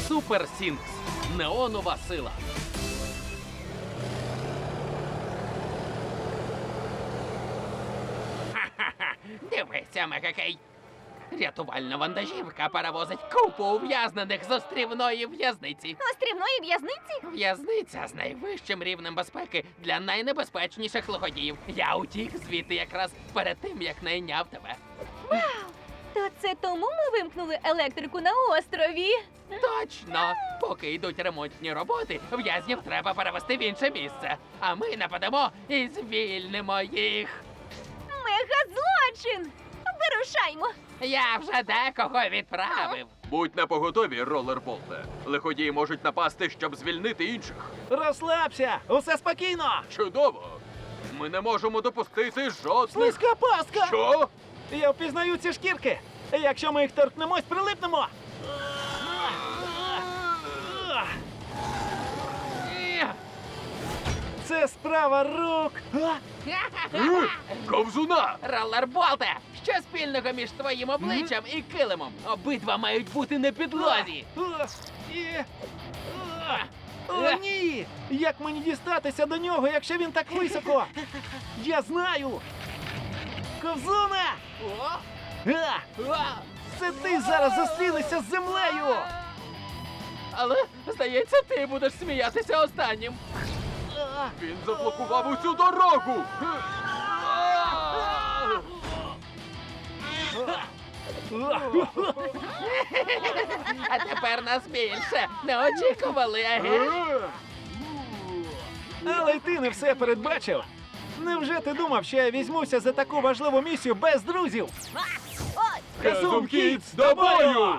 Супер Сінкс. Неонова сила. Ха-ха-ха. Дивися, Мегакей. Рятувальна вантажівка перевозить купу ув'язнених з острівної в'язниці. Острівної в'язниці? В'язниця з найвищим рівнем безпеки для найнебезпечніших лиходіїв. Я утік звідти якраз перед тим, як найняв тебе. То це тому ми вимкнули електрику на острові? Точно! Поки йдуть ремонтні роботи, в'язнів треба перевести в інше місце. А ми нападемо і звільнимо їх. Мегазлочин! Вирушаймо! Я вже декого відправив. Будь напоготові, ролерболте. Лиходії можуть напасти, щоб звільнити інших. Розслабся! Усе спокійно! Чудово! Ми не можемо допустити жодних... Слизька паска! Що? Я впізнаю ці шкірки! Якщо ми їх торкнемось, прилипнемо! Це справа рук! Ковзуна! Ролерболте! Що спільного між твоїм обличчям і килимом? Обидва мають бути на підлозі. О, ні! Як мені дістатися до нього, якщо він так високо? Я знаю! Ковзуна! Це ти зараз зустрінешся з землею! Але, здається, ти будеш сміятися останнім. Він заблокував усю дорогу! А тепер нас більше. Не очікували, аге? Але й ти не все передбачив. Невже ти думав, що я візьмуся за таку важливу місію без друзів? Казум Кідс, до бою!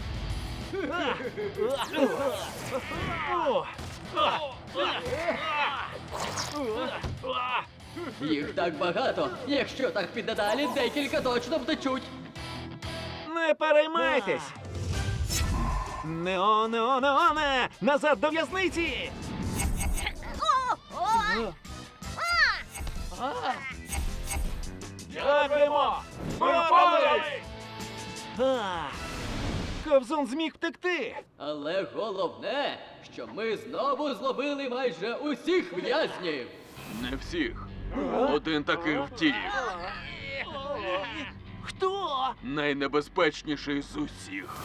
Їх так багато. Якщо так піде далі, декілька точно втечуть. Не переймайтесь! Нео-нео-неоне! Назад до в'язниці! Дякуємо! Випали! Ковзун зміг втекти! Але головне, що ми знову зловили майже усіх в'язнів. Не всіх. Один таки втік. Хто? Найнебезпечніший з усіх.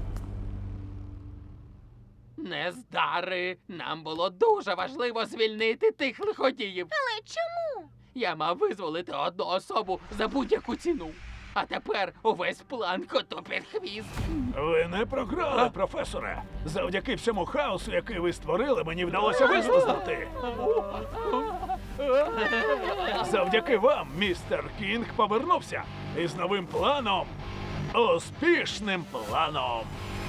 Нездари! Нам було дуже важливо звільнити тих лиходіїв. Але чому? Я мав визволити одну особу за будь-яку ціну. А тепер увесь план коту під хвіст. Ви не програли, професоре. Завдяки всьому хаосу, який ви створили, мені вдалося вислизнути. Завдяки вам містер Кінг повернувся із новим планом. Успішним планом.